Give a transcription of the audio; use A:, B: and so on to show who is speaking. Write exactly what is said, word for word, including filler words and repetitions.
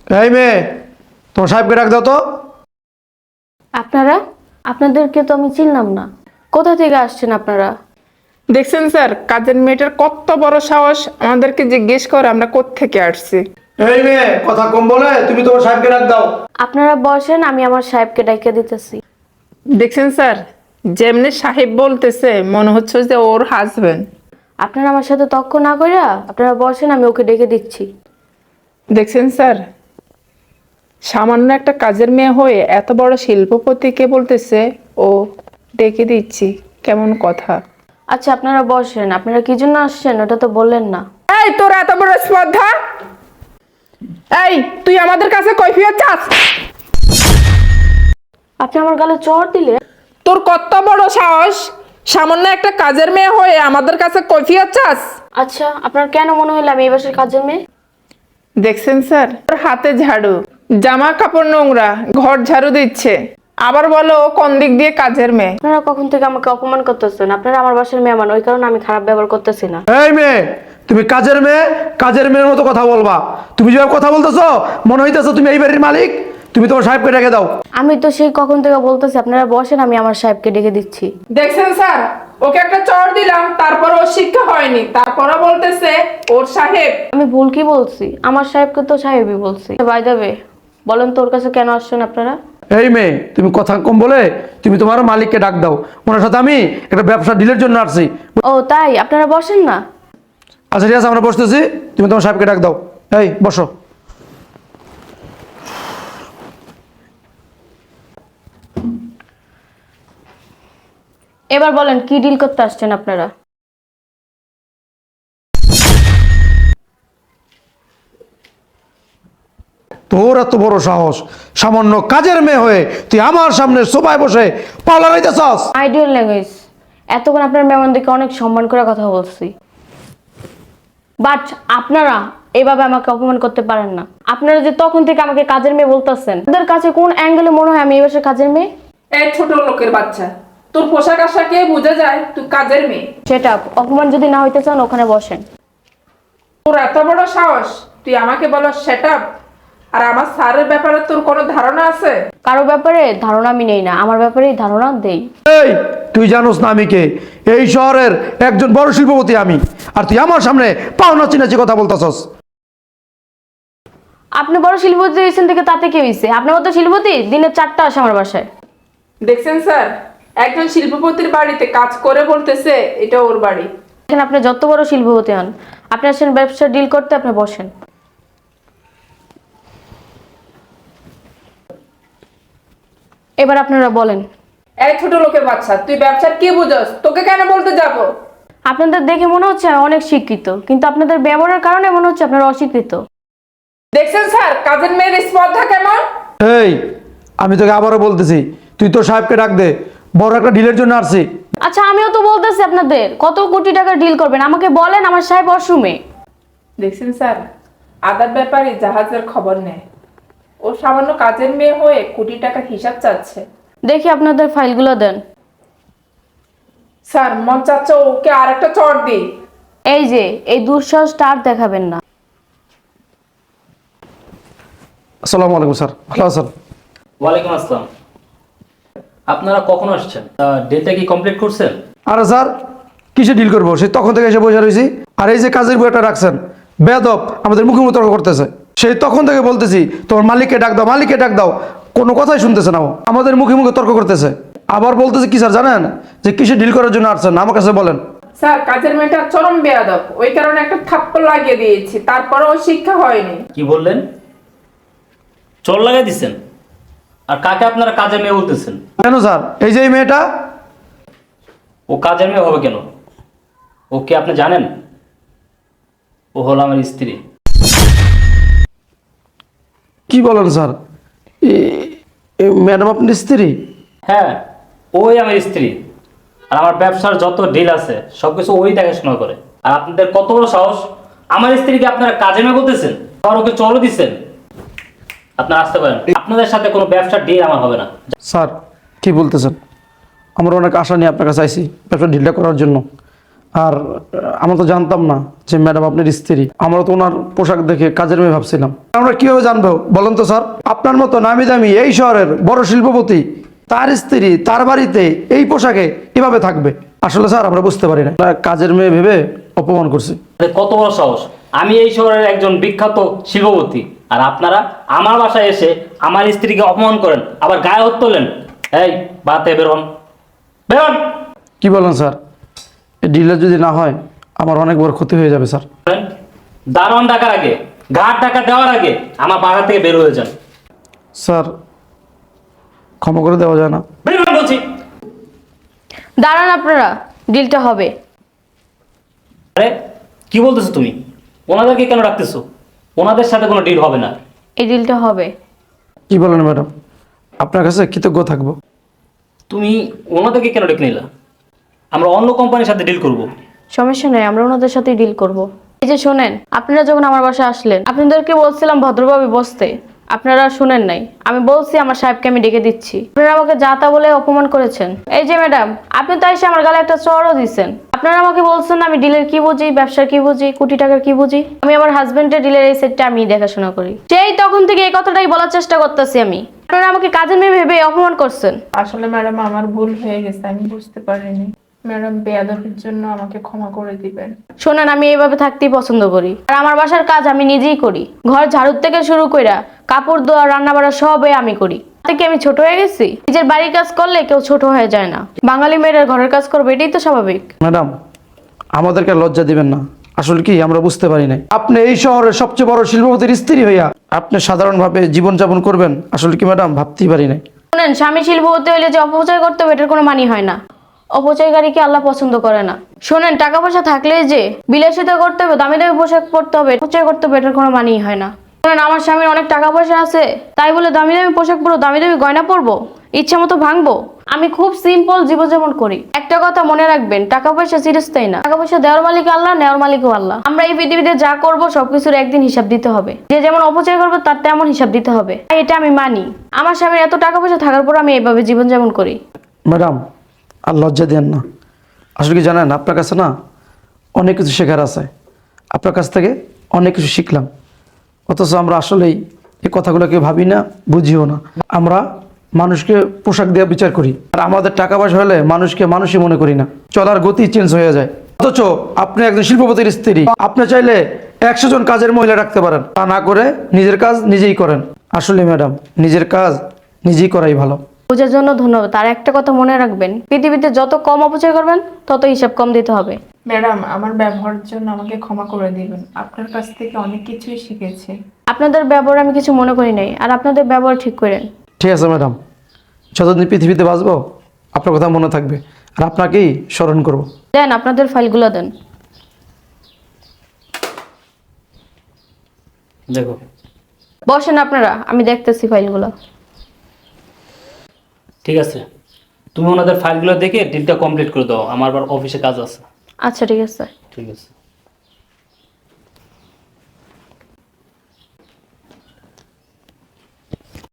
A: এই মেয়ে, তোমার সাহেবকে ডাক দাও তো।
B: আপনারা আপনাদেরকে তো আমি চিনলাম না, কোথা থেকে আসছেন আপনারা?
C: দেখছেন স্যার, কাজের মেয়েটার কত বড় সাহস আমাদেরকে জিজ্ঞেস করে আমরা কোত্থেকে আসছি।
A: এই মেয়ে, কথা কম বলে তুমি তোমার সাহেবকে ডাক দাও।
B: আপনারা বসেন, আমি আমার সাহেবকে ডাইকে দিতেছি।
C: দেখছেন স্যার, যেমনি সাহেব বলতেছে মনে হচ্ছে যে ওর হাজবেন্ড।
B: আপনারা আমার সাথে তর্ক না কইরা আপনারা বসেন, আমি ওকে ডেকে দিচ্ছি।
C: দেখছেন স্যার, সামান্য একটা কাজের মেয়ে হয়ে এত বড় শিল্পপতিকে বলতেছে ও ডেকে দিচ্ছি, কেমন কথা।
B: আচ্ছা আপনারা বসেন, আপনারা কি জন্য আসছেন ওটা তো বললেন না।
C: এই তোর এত বড় স্পর্ধা! এই তুই আমাদের কাছে কৈফিয়ত চাস?
B: আপনি আমার গালে চড় দিলে?
C: তোর কত বড় সাহস, সামান্য একটা কাজের মেয়ে হয়ে আমাদের কাছে কৈফিয়ত চাস?
B: আচ্ছা আপনার কেন মনে হলো আমি এই বাসার কাজের মেয়ে?
C: দেখছেন স্যার, ওর হাতে ঝাড়ু, জামা কাপড় নোংরা, ঘর ঝাড়ু দিচ্ছে, আবার বলো ও কোন দিক দিয়ে কাজের মেয়ে।
B: আপনারা কখন থেকে আমাকে অপমান করতেছেন? আপনারা আমার বাসার মেহমান, ওই কারণে আমি খারাপ ব্যবহার করতেছি না।
A: এই মেয়ে, তুমি কাজের মেয়ে, কাজের মেয়ের মতো কথা বলবা। তুমি যেভাবে কথা বলতেছো মনে হইতেছো তুমি এই বাড়ির মালিক। তুমি তোমার সাহেবকে ডেকে দাও।
B: আমি তো সেই কখন থেকে বলতেছি আপনারা বসেন, আমি আমার সাহেবকে ডেকে দিচ্ছি।
C: দেখছেন স্যার, ওকে একটা চড় দিলাম, তারপর ওর শিক্ষা হয়নি, তারপরও বলতেছে ওর সাহেব।
B: আমি ভুল কি বলছি? আমার সাহেবকে তো সাহেবই বলছি। বাই দ্য ওয়ে, বলেন তোর কাছে কেন আসছেন আপনারা?
A: এই মেয়ে, তুমি কথা কম বলে তুমি তোমার মালিককে ডাক দাও। ওনার সাথে আমি একটা ব্যবসা ডিলের জন্য আসছি।
B: ও তাই, আপনারা বসেন না।
A: আচ্ছা ঠিক আছে, আমরা বসতেছি, তুমি তোমার সাহেবকে ডাক দাও। এই বসো।
B: এবার বলেন কি ডিল করতে আসছেন আপনারা?
A: তোর এত বড় সাহস, সামান্য কাজের মেয়ে হয়ে তুই আমার সামনে সোফায় বসে পাওলা গাইতেছস।
B: Ideal language. এতক্ষণ আপনার মেহমানদেরকে অনেক সম্মান করে কথা বলছি, বাট আপনারা এভাবে আমাকে অপমান করতে পারেন না। আপনারা যে তখন থেকে আমাকে কাজের মেয়ে বলতেছেন, ওদের কাছে কোন অ্যাঙ্গেলে মনে হয় আমি এই বাসার কাজের মেয়ে?
C: এই ছোট লোকের বাচ্চা, তোর পোশাক আশাকে বোঝা যায় তুই কাজের মেয়ে।
B: সেটা অপমান যদি না হইতে চান ওখানে বসেন।
C: তোর এত বড় সাহস, তুই আমাকে বলো সেট আপ, আর আমার স্যারের ব্যাপারে তোর কোনো ধারণা আছে?
B: কারো ব্যাপারে ধারণা আমি নেই না, আমার ব্যাপারেই ধারণা দেই।
A: এই তুই জানোস না আমি কে? এই শহরের একজন বড় শিল্পপতি আমি, আর তুই আমার সামনে পাও নাচি নাচি কথা বলতেছস।
B: আপনি বড় শিল্পপতি হয়েছেন থেকে তাতে কি হয়েছে? আপনার মতো শিল্পপতি দিনে চারটা আসে আমার বাসায়।
C: দেখছেন স্যার, একজন শিল্পপতির বাড়িতে কাজ করে বলতেছে এটা ওর বাড়ি।
B: এখানে আপনি যত বড় শিল্পপতি হন, আপনি আসেন ব্যবসা ডিল করতে, আপনি বসেন। এবার আপনারা বলেন।
C: এই ছোট লোকের বাচ্চা, তুই ব্যবসার কি বুঝস? তোকে কেন বলতে যাবো?
B: আপনাদের দেখে মনে হচ্ছে আমি অনেক শিক্ষিত, কিন্তু আপনাদের ব্যবহারের কারণে মনে হচ্ছে আপনারা অশিক্ষিত।
C: দেখছেন স্যার, কাজের মেয়ের স্পর্ধা কেমন।
A: এই আমি তোকে আবারও বলতেছি, তুই তোর সাহেবকে ডাক দে, বড় একটা ডিলের জন্য আসছি।
B: আচ্ছা আমিও তো বলতেছি আপনাদের কত কোটি টাকা ডিল করবেন, আমাকে বলেন আমার সাহেব অসুমে।
C: দেখছেন স্যার, আদার ব্যাপারে জাহাজের খবর নেয়, ও সামান্য কাজের মেয়ে হয়ে কোটি টাকার হিসাব চাচ্ছে।
B: দেখি আপনাদের ফাইলগুলো দেন।
C: স্যার মন চাচ্ছে ওকে আর একটা চড় দিই।
B: এই যে এই দুঃসাহসটা আর দেখাবেন না।
A: আসসালামু আলাইকুম স্যার, ভালো আছেন?
D: ওয়ালাইকুম আসসালাম। আপনারা কখন আসছেন? ডেটা কি কমপ্লিট করছেন?
A: আরে স্যার, কিসে ডিল করবো? সেই তখন থেকে এসে বসে রয়েছি। আর এই যে কাজের বইটা রাখছেন, বেদব আমাদের মুখে মুখে তর্ক করতেছে। সেই তখন থেকে বলতেছি তোমার মালিককে ডাক দাও, মালিককে ডাক দাও, কোনো কথাই শুনতেছে না। ও আমাদের মুখে মুখে তর্ক করতেছে। আবার বলতেছে কি স্যার জানেন, যে কিসে ডিল করার জন্য আসছেন আমার কাছে বলেন।
C: স্যার কাজের মেয়েটা চরম বেয়াদব, ওই কারণে একটা থাপ্পড় লাগিয়ে দিয়েছি, তারপরেও শিক্ষা হয়নি।
D: কি বললেন? চোর লাগাই দিচ্ছেন? আর কাকে আপনারা কাজের মেয়ে বলতেছেন?
A: কেন স্যার, এই যে এই মেয়েটা।
D: ও কাজের মেয়ে হবে কেন? ও কি আপনি জানেন? ও হলো আমার স্ত্রী।
A: কি বলেন স্যার, ম্যাডাম আপনার স্ত্রী?
D: হ্যাঁ, ওই আমার স্ত্রী। আর আমার ব্যবসার যত ডিল আছে সবকিছু ওই দেখাশোনা করে। আর আপনাদের কত বড় সাহস, আমার স্ত্রীকে আপনারা কাজের মেয়ে বলতেছেন, আর ওকে চলো দিচ্ছেন। আপনারা আসতে পারেন, আপনাদের সাথে কোনো ব্যবসার ডিল আমার হবে না।
A: স্যার কি বলতেছেন? আমরা অনেক আশা নিয়ে আপনার কাছে আইছি ব্যবসা ডিলটা করার জন্য, আর আহ, আমরা তো জানতাম না যে ম্যাডাম আপনার স্ত্রী। আমরা তো ওনার পোশাক দেখে কাজের মেয়ে ভাবছিলাম। আমরা কিভাবে জানবো বলেন তো স্যার? আপনার মতো নামি দামি এই শহরের বড় শিল্পপতি তার স্ত্রী তার বাড়িতে এই পোশাকে কিভাবে থাকবে? আসলে স্যার আমরা বুঝতে পারি না, আমরা কাজের মেয়ে ভেবে অপমান করছি।
D: আরে কত বড় সাহস! আমি এই শহরের একজন বিখ্যাত শিল্পপতি, আর আপনারা আমার বাসায় এসে আমার স্ত্রীকে অপমান করেন, আবার গায়ে হাত তোলেন। এই বাতে বেরোন, বেরোন।
A: কি বলেন স্যার? এই ডিলার যদি না হয় আমার অনেক বড় ক্ষতি হয়ে যাবে স্যার।
D: দারোয়ান ডাকার আগে, ঘাট টাকা দেওয়ার আগে আমার বাসা থেকে বের হয়ে যান।
A: স্যার ক্ষমা করে দেওয়া যায় না?
D: বের হন বলছি।
B: দাঁড়ান আপনারা, ডিলটা হবে।
D: আরে কি বলতেছো তুমি? ওনাদেরকে কেন রাখতেছো? ওনাদের সাথে কোনো ডিল হবে না।
B: এই ডিলটা হবে।
A: কি বলেন ম্যাডাম? আপনার কাছে কৃতজ্ঞ থাকবো।
D: তুমি ওনাদেরকে কেন ডেকে নিলা? আমরা অন্য কোম্পানির সাথে ডিল করব।
B: সমস্যা নেই, আমরা ওনাদের সাথেই ডিল করব। এই যে শোনেন, আপনারা যখন আমার বাসায় আসলেন আপনাদেরকে বলছিলাম ভদ্রভাবে বসতে, আপনারা শুনেন নাই। আমি বলছি আমার সাহেবকে আমি ডেকে দিচ্ছি, আপনারা আমাকে যা তা বলে অপমান করেছেন। এই যে ম্যাডাম, আপনি তো এসে আমার গালে একটা চড়ও দিচ্ছেন। আপনারা আমাকে বলছেন আমি ডিলের কি বুঝি, ব্যবসার কি বুঝি, কোটি টাকার কি বুঝি। আমি আমার হাজবেন্ডের ডিলের এই সেটটা আমি দেখাশোনা করি। সেই তখন থেকে এই কথাটাই বলার চেষ্টা করতেছি আমি। আপনারা আমাকে কাজের মেয়ে ভেবে অপমান করছেন।
C: আসলে ম্যাডাম আমার ভুল হয়ে গেছে, আমি বুঝতে পারিনি। ম্যাডাম বেয়াদবির জন্য আমাকে ক্ষমা করে দিবেন।
B: শোনেন, আমি এইভাবে থাকতেই পছন্দ করি, আর আমার বাসার কাজ আমি নিজেই করি। ঘর ঝাড়ুর থেকে শুরু কইরা কাপড় ধোয়া, রান্না বাড়া সবই আমি করি। থেকে আমি ছোট হয়ে গেছি? নিজের বাড়ির কাজ করলে কেউ ছোট হয়ে যায় না। বাঙালি মেয়েরা ঘরের কাজ করবে, এটাই তো স্বাভাবিক।
A: ম্যাডাম আমাদেরকে লজ্জা দিবেন না। আসলে কি আমরা বুঝতে পারি নাই আপনি এই শহরের সবচেয়ে বড় শিল্পপতির স্ত্রী হইয়া আপনি সাধারণভাবে জীবনযাপন করবেন। আসলে কি ম্যাডাম ভাবতেই পারি নাই।
B: শোনেন, স্বামী শিল্পপতি হইলে যে অপচয় করতে হবে এটার কোনো মানি হয় না। অপচয়কারীকে আল্লাহ পছন্দ করে না। শোনেন, টাকা পয়সা থাকলে যে বিলাসিতা করতে হবে, দামি দামি পোশাক পরতে হবে, অপচয় করতে হবে, এটার কোনো মানি হয় না। শোনেন, আমার স্বামীর অনেক টাকা পয়সা আছে তাই বলে দামি দামি পোশাক পরবো, দামি দামি গয়না পরবো, ইচ্ছা মতো ভাঙবো? আমি খুব সিম্পল জীবনযাপন করি। একটা কথা মনে রাখবেন, টাকা পয়সা চিরস্থায়ী না। টাকা পয়সা দেওয়ার মালিক আল্লাহ, নেওয়ার মালিকও আল্লাহ। আমরা এই পৃথিবীতে যা করব সবকিছুর একদিন হিসাব দিতে হবে। যে যেমন অপচয় করবে তার তেমন হিসাব দিতে হবে। এটা আমি মানি। আমার স্বামীর এত টাকা পয়সা থাকার পর আমি এইভাবে জীবনযাপন করি।
A: ম্যাডাম আর লজ্জা দেন না। আসলে কি জানেন, আপনার কাছে না অনেক কিছু শেখার আছে। আপনার কাছ থেকে অনেক কিছু শিখলাম, অথচ আমরা আসলেই এই কথাগুলোকে ভাবি না, বুঝিও না। আমরা মানুষকে পোশাক দিয়ে বিচার করি, আর আমাদের টাকা পয়সা হলে মানুষকে মানুষই মনে করি না। চলার গতি চেঞ্জ হয়ে যায়। অথচ আপনি একজন শিল্পপতির স্ত্রী, আপনি চাইলে একশো জন কাজের মহিলা রাখতে পারেন, তা না করে নিজের কাজ নিজেই করেন। আসলে ম্যাডাম নিজের কাজ নিজেই করাই ভালো।
B: বোঝার জন্য ধন্যবাদ। আর একটা কথা মনে রাখবেন, পৃথিবীতে যত কম অপচয় করবেন তত হিসাব কম দিতে হবে।
C: ম্যাডাম আমার ব্যবহারের জন্য আমাকে ক্ষমা করে দিবেন। আপনার কাছ থেকে অনেক কিছুই শিখেছি।
B: আপনাদের ব্যবহার আমি কিছু মনে করি নাই, আর আপনাদের ব্যবহার ঠিক করেন।
A: ঠিক আছে ম্যাডাম, যতদিন পৃথিবীতে বাঁচবো আপনার কথা মনে থাকবে, আর আপনাকেই স্মরণ করব।
B: দেন আপনাদের ফাইলগুলো দেন।
D: দেখো,
B: বসেন আপনারা, আমি দেখতেছি ফাইলগুলো।
D: ঠিক আছে, তুমি ওনাদের ফাইলগুলো দেখে ডিলটা কমপ্লিট করে দাও, আমার আবার অফিসে কাজ আছে।
B: আচ্ছা ঠিক আছে।
D: ঠিক আছে।